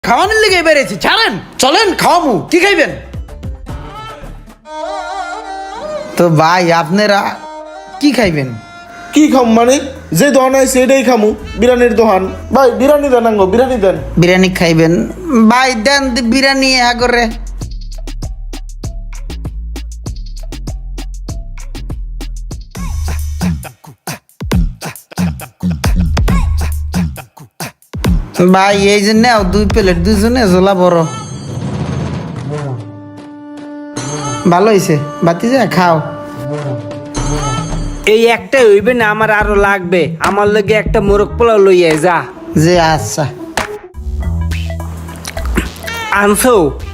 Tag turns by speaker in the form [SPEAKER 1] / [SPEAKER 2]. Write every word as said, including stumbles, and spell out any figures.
[SPEAKER 1] খাওয়ানোর লেগে বেড়েছি, ছাড়েন চলেন খাওয়ামু। কি খাইবেন? তো ভাই আপনারা কি খাইবেন?
[SPEAKER 2] কি খাম মানে যে দোকান আছে সেটাই খামু, বিরিয়ানির দোকান। ভাই বিরিয়ানি দেন, আঙ্গো বিরিয়ানি দেন।
[SPEAKER 1] বিরিয়ানি খাইবেন? ভাই দেন দি বিরিয়ানি আগরে। ভাই এই যে নেও দুই প্লেট, দুইজনে ঝোলা বড়। ভালো হয়েছে, বাতি যা খাও।
[SPEAKER 3] এই একটা হইবে না, আমার আরো লাগবে। আমার লগে একটা মোরগ পোলাও লইয়া যা।
[SPEAKER 1] যে আচ্ছা
[SPEAKER 3] আনছো?